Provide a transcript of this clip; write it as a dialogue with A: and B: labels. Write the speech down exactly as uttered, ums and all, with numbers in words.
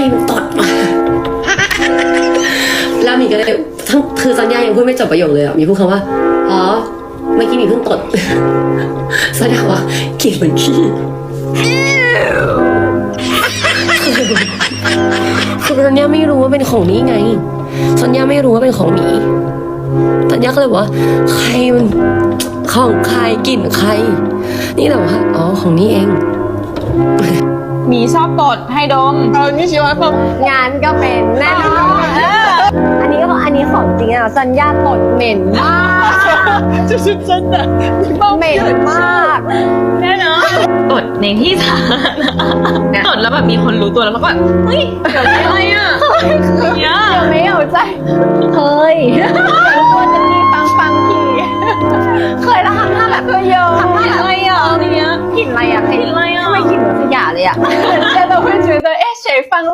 A: มึงตดแล้วมีก็เลยทั้งคือซันยายังพูดไม่จบประโยคเลยอ่ะมีพูดคำว่าอ๋อเมื่อกี้มีเพิ่งตดซันยาว่ากลิ่นเหมือนขี้คือซันยาไม่รู้ว่าเป็นของนี้ไงซันยาไม่รู้ว่าเป็นของหมีซันยาก็เลยบอกว่าใครมันของใครกลิ่นใครนี่แหละว่าอ๋อของนี้เอง
B: หมีชอบตดให้ดมเออนี่ชิวะฟัง
C: งานก็เป็นแน่นอนอันนี้ก็อันนี้ของจริงอ่ะสัญญาตดเหม็นมาก
B: จะชิบฉันอ่ะ
C: เหม็นมาก
B: แน่นอนตดในที่สาธารณะตดแล้วแบบมีคนรู้ตัวแล้วมันก็แบบเฮ้ยเดี๋ยวอะไรอ่ะเนี้ย
C: เดี๋ยวไม่เอาใจเคยตัวจะมีปังปังทีเคยแล้วทำหน้าแบบเยอะทำหน้าแบบ
B: อะไรอ่ะเนี้ย
C: กลิ่นอะไรอ่ะ
B: กลิ่นอะไรอ่ะ
C: ไม่กลิ่นเหมือนขยะเลยอ่ะ
B: แต่เรา会觉得哎谁放